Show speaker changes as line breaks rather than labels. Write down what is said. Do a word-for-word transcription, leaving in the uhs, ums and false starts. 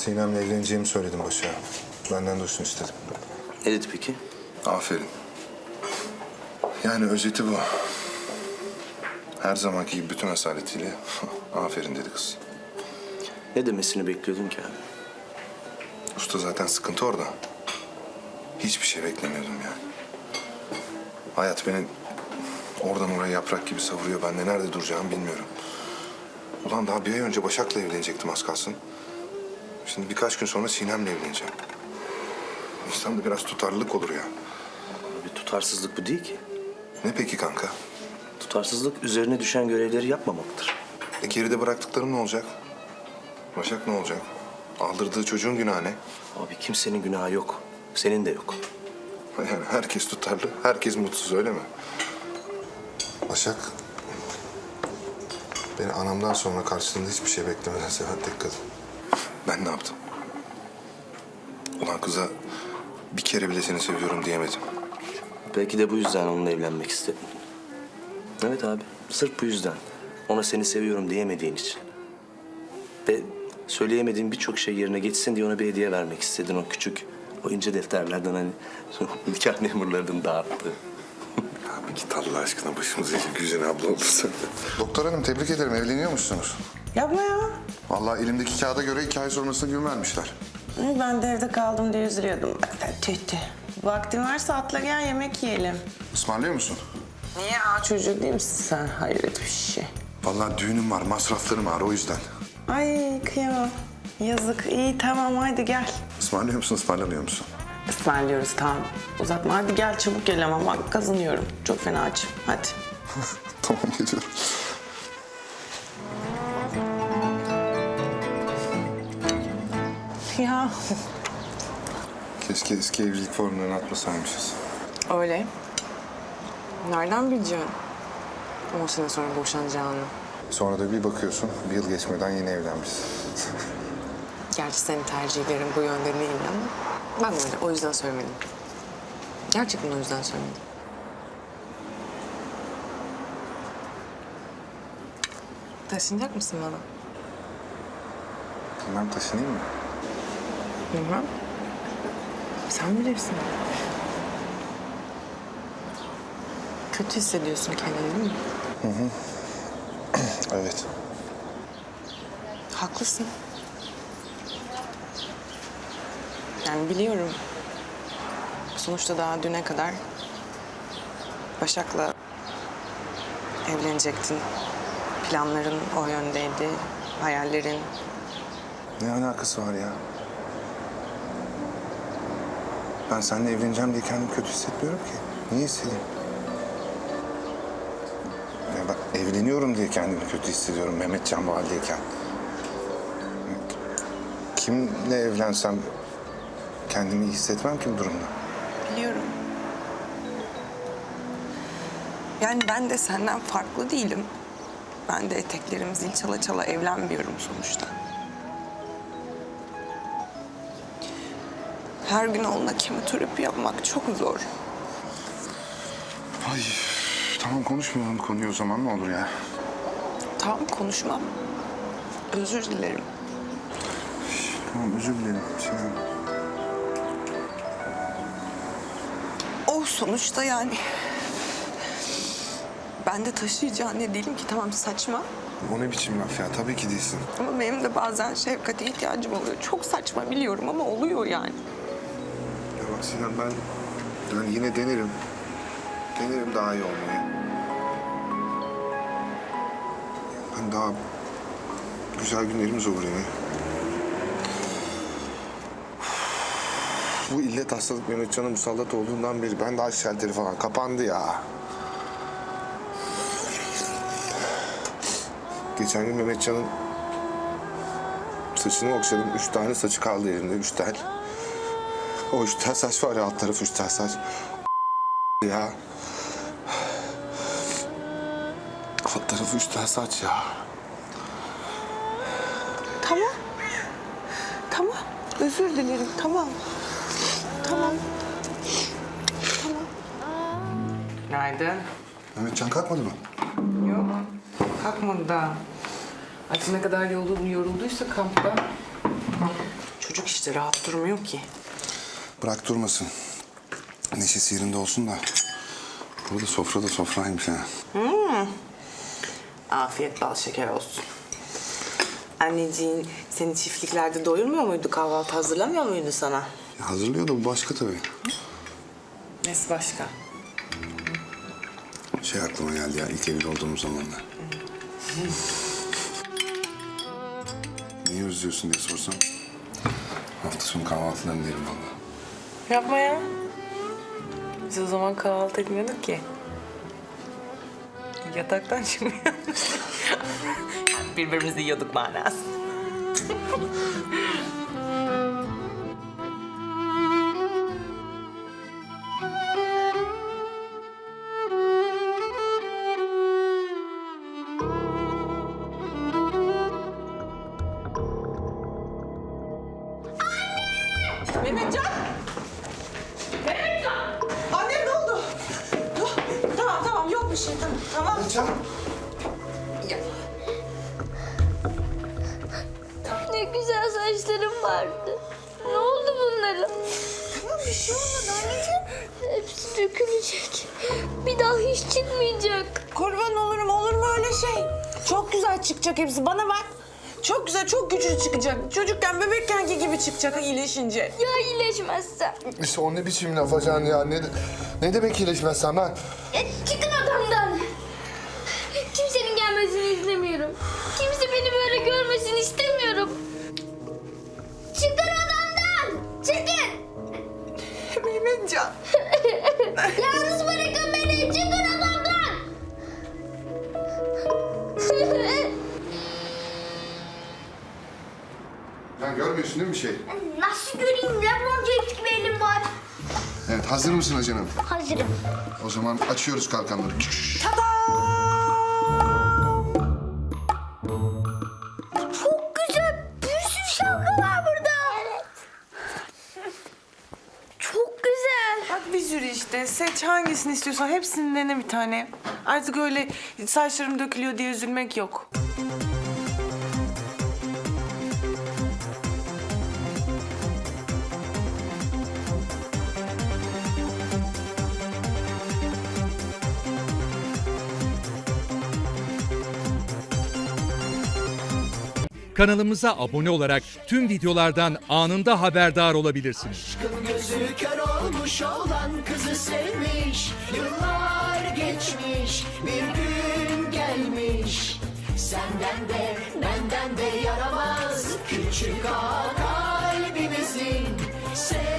Sinem'le evleneceğimi söyledim Başak'a. Benden duysun istedim.
Ne dedi peki?
Aferin. Yani özeti bu. Her zamanki gibi bütün asaletiyle aferin dedi kız.
Ne demesini bekliyordun ki abi?
Usta zaten sıkıntı orada. Hiçbir şey beklemiyordum yani. Hayat beni oradan oraya yaprak gibi savuruyor. Ben de nerede duracağımı bilmiyorum. Ulan daha bir ay önce Başak'la evlenecektim az kalsın. Şimdi birkaç gün sonra Sinem'le evleneceğim. İnsanda biraz tutarlılık olur ya.
Bir tutarsızlık bu değil ki.
Ne peki kanka?
Tutarsızlık üzerine düşen görevleri yapmamaktır.
E geride bıraktıklarım ne olacak? Başak ne olacak? Aldırdığı çocuğun günahı ne?
Abi kimsenin günahı yok. Senin de yok.
Yani herkes tutarlı, herkes mutsuz öyle mi? Başak... Beni anamdan sonra karşılığında hiçbir şey beklemeden seven tek kadın. Ben ne yaptım? Ulan kıza bir kere bile seni seviyorum diyemedim.
Belki de bu yüzden onunla evlenmek istedin. Evet abi, sırf bu yüzden. Ona seni seviyorum diyemediğin için. Ve söyleyemediğin birçok şey yerine geçsin diye ona bir hediye vermek istedin. O küçük, o ince defterlerden hani nikah memurlarının dağıttığı.
Ya bir git Allah aşkına başımıza Güzin abla olursa. Doktor hanım tebrik ederim, evleniyor musunuz?
Yapma ya.
Vallahi elimdeki kağıda göre iki ay sonrasında gün vermişler.
Ben de evde kaldım diye üzülüyordum. Tüh tüh. Vaktin varsa atla gel yemek yiyelim.
Ismarlıyor musun?
Niye? Aa, çocuk değil misin sen? Hayret bir şey.
Vallahi düğünüm var, masraflarım var o yüzden.
Ay kıyamam. Yazık. İyi tamam hadi gel.
Ismarlıyor musun, ısmarlamıyor musun?
Ismarlıyoruz tamam. Uzatma hadi gel çabuk gel ama bak kazanıyorum. Çok fena açım. Hadi.
Tamam geliyorum.
Ya.
Keşke eski evlilik formlarını atmasaymışız.
Öyle. Nereden bileceksin on sene sonra boşanacağını?
Sonra da bir bakıyorsun, bir yıl geçmeden yeni evlenmişsin.
Gerçi senin tercihlerin bu yönde değil ama ben öyle, o yüzden söylemedim. Gerçekten o yüzden söylemedim. Taşınacak mısın bana?
Bilmem taşınayım mı?
Bilmem. Sen bilirsin. Kötü hissediyorsun kendini değil mi?
Evet.
Haklısın. Yani biliyorum. Sonuçta daha düne kadar Başak'la evlenecektin. Planların o yöndeydi, hayallerin.
Ne alakası var ya? Ben seninle evleneceğim diye kendimi kötü hissetmiyorum ki. Niye hissedeyim? Ya ben evleniyorum diye kendimi kötü hissediyorum Mehmetcan bu haldeyken. Kimle evlensem kendimi iyi hissetmem ki bu durumda.
Biliyorum. Yani ben de senden farklı değilim. Ben de eteklerim zil çala çala evlenmiyorum sonuçta. Her gün onunla kemoterapi yapmak çok zor.
Ay tamam konuşmayalım konuyu o zaman ne olur ya.
Tamam konuşmam. Özür dilerim.
Tamam özür dilerim. Şey...
O sonuçta yani... Ben de taşıyıcı anne değilim ki, tamam saçma.
O ne biçim laf ya? Tabii ki değilsin.
Ama benim de bazen şefkate ihtiyacım oluyor. Çok saçma biliyorum ama oluyor yani.
Ya bak Sinan ben yani yine denerim. Denerim daha iyi olmayı. Ben daha güzel günlerimiz olur yine. Bu illet hastalık Mehmetcan'a musallat olduğundan beri ben daha şalteri falan kapandı ya. Geçen gün Mehmetcan'ın saçını okşadım. Üç tane saçı kaldı elimde, üç tel. O üç tel saç var ya, alt tarafı üç tel saç. Ya. Alt tarafı üç tel saç ya.
Tamam. Tamam. Özür dilerim. Tamam. Tamam. Tamam.
Günaydın.
Mehmetcan kalkmadı mı?
Yok. Kalkmadı daha. Artık ne kadar yorul- yorulduysa kampta.
Çocuk işte rahat durmuyor ki.
Bırak durmasın. Neşesi yerinde olsun da. Burada sofra da sofraymış ha.
Afiyet bal şeker olsun. Anneciğin seni çiftliklerde doyurmuyor muydu? Kahvaltı hazırlamıyor muydu sana?
Hazırlıyor da bu başka tabii.
Nesi başka?
Şey aklıma geldi ya ilk evli olduğumuz zamanlar. Niye özlüyorsun diye sorsam. Hafta sonu kahvaltılarını derim valla.
Yapma ya. Biz o zaman kahvaltı etmiyorduk ki. Yataktan çıkmıyorduk. Yani birbirimizi yiyorduk manası. Mehmetcan! Mehmetcan! Annem ne oldu? Dur. Tamam tamam yok bir şey tamam. Tamam.
Mehmetcan!
Ya.
Ne güzel saçlarım vardı. Ne oldu bunlara?
Tamam bir şey olmadı anneciğim.
Hepsi dökülecek. Bir daha hiç çıkmayacak.
Kurban olurum olur mu öyle şey? Çok güzel çıkacak hepsi bana bak. Çok güzel çok güçlü çıkacak. Çocukken bebekkenki gibi çıkacak iyileşince.
Ya iyileşmezsem?
İşte o ne biçim laf acan ya? Ne, ne demek iyileşmezsen ben?
Ya çıkın odamdan. Kimsenin gelmesini istemiyorum. Kimse beni böyle görmesini istemiyorum. Çıkın odamdan. Çıkın.
Mehmetcan.
Yalnız bırakın beni. Çıkın odamdan.
Sen görmüyorsun değil mi bir şey?
Nasıl göreyim? Lebron James gibi elim var.
Evet, hazır mısın acanım?
Hazırım.
O zaman açıyoruz kalkanları.
Çok güzel. Bir sürü şapka var burada. Evet. Çok güzel.
Bak bir sürü işte. Seç hangisini istiyorsan hepsini dene bir tane. Artık öyle saçlarım dökülüyor diye üzülmek yok.
Kanalımıza abone olarak tüm videolardan anında haberdar olabilirsiniz.
Aşkın gözü kör olmuş olan kızı sevmiş. Yıllar geçmiş, bir gün gelmiş. Senden de benden de yaramaz küçük ağa kalbimizin. Sev